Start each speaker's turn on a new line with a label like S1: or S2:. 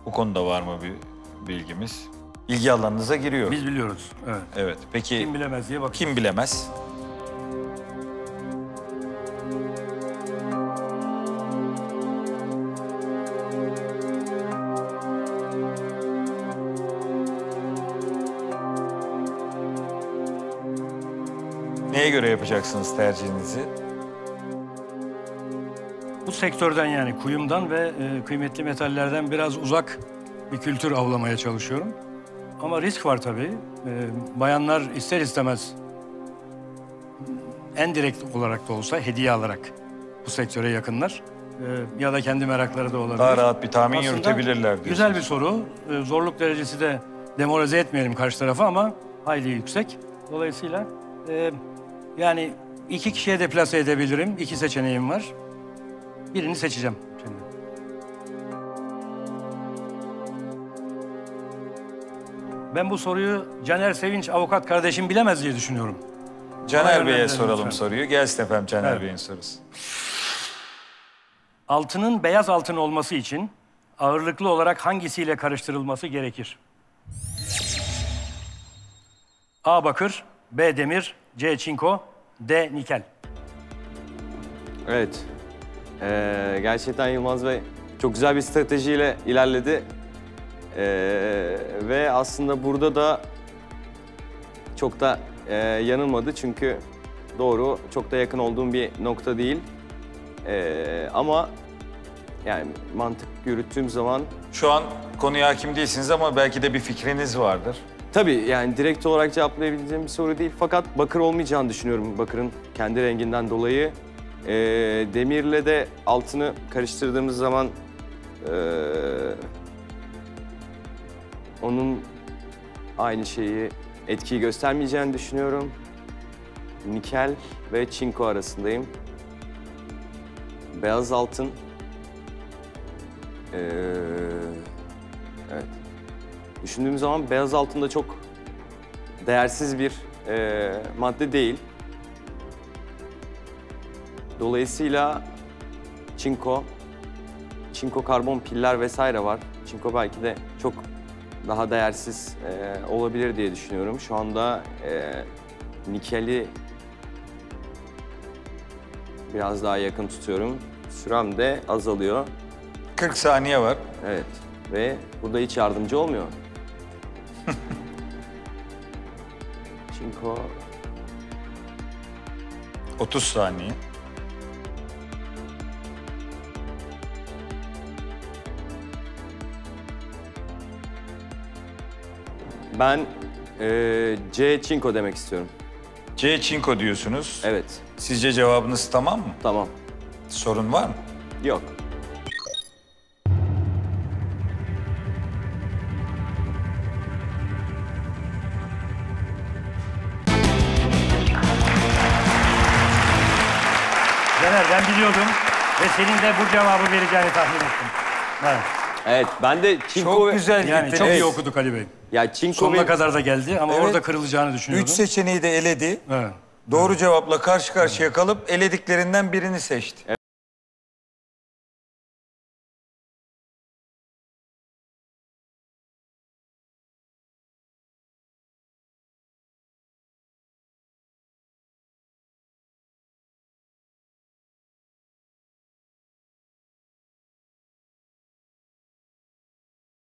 S1: Bu konuda var mı bir bilgimiz? İlgi alanınıza giriyor.
S2: Biz biliyoruz. Evet.
S1: Evet. Peki
S2: Kim bilemez diye bakıyoruz.
S1: kim bilemez? Neye göre yapacaksınız tercihinizi?
S2: Bu sektörden yani kuyumdan ve kıymetli metallerden biraz uzak bir kültür avlamaya çalışıyorum. Ama risk var tabii. Bayanlar ister istemez en direkt olarak da olsa hediye alarak bu sektöre yakınlar. Ya da kendi merakları da olabilir.
S1: Daha rahat bir tahmin
S2: Aslında
S1: yürütebilirler diyorsunuz.
S2: güzel bir soru. Zorluk derecesi de demoralize etmeyelim karşı tarafa ama hayli yüksek. Dolayısıyla yani 2 kişiye deplase edebilirim. 2 seçeneğim var. Birini seçeceğim şimdi. Ben bu soruyu Caner Sevinç avukat kardeşim bilemez diye düşünüyorum.
S1: Caner Bey'e
S2: yönlendirelim
S1: soralım
S2: lütfen.
S1: soruyu. Gelsin efendim Caner
S2: Evet.
S1: Bey'in sorusu.
S2: Altının beyaz altın olması için ağırlıklı olarak hangisiyle karıştırılması gerekir? A. Bakır, B. Demir, C. Çinko, D. Nikel.
S3: Evet. Gerçekten Yılmaz Bey çok güzel bir stratejiyle ilerledi. Ve aslında burada da çok da yanılmadı çünkü doğru, çok da yakın olduğum bir nokta değil. Ama yani mantık yürüttüğüm zaman...
S1: Şu an konuya hakim değilsiniz ama belki de bir fikriniz vardır.
S3: Tabii yani direkt olarak cevaplayabileceğim bir soru değil fakat bakır olmayacağını düşünüyorum bakırın kendi renginden dolayı. Demirle de altını karıştırdığımız zaman onun aynı etkiyi göstermeyeceğini düşünüyorum. Nikel ve çinko arasındayım. Beyaz altın. Evet. Düşündüğüm zaman beyaz altın da çok değersiz bir madde değil. Dolayısıyla çinko karbon piller vesaire var. Çinko belki de çok daha değersiz olabilir diye düşünüyorum. Şu anda nikeli biraz daha yakın tutuyorum. Sürem de azalıyor.
S1: 40 saniye var.
S3: Evet ve burada hiç yardımcı olmuyor. Çinko
S1: 30 saniye.
S3: Ben C çinko demek istiyorum.
S1: C çinko diyorsunuz.
S3: Evet,
S1: Sizce cevabınız tamam mı?
S3: tamam.
S1: Sorun var mı?
S3: Yok.
S2: Caner ben biliyordum ve senin de bu cevabı vereceğini tahmin ettim. Evet.
S3: Evet, ben de çinko
S1: Çok güzel.
S2: Yani
S1: gittiniz.
S2: çok iyi
S1: Evet.
S2: okuduk Ali Bey.
S3: Ya çinko
S2: Sonuna
S3: ve
S2: kadar da geldi ama
S1: Evet.
S2: orada kırılacağını düşünüyordum.
S1: 3 seçeneği de eledi.
S2: Evet.
S1: Doğru cevapla karşı karşıya kalıp elediklerinden birini seçti.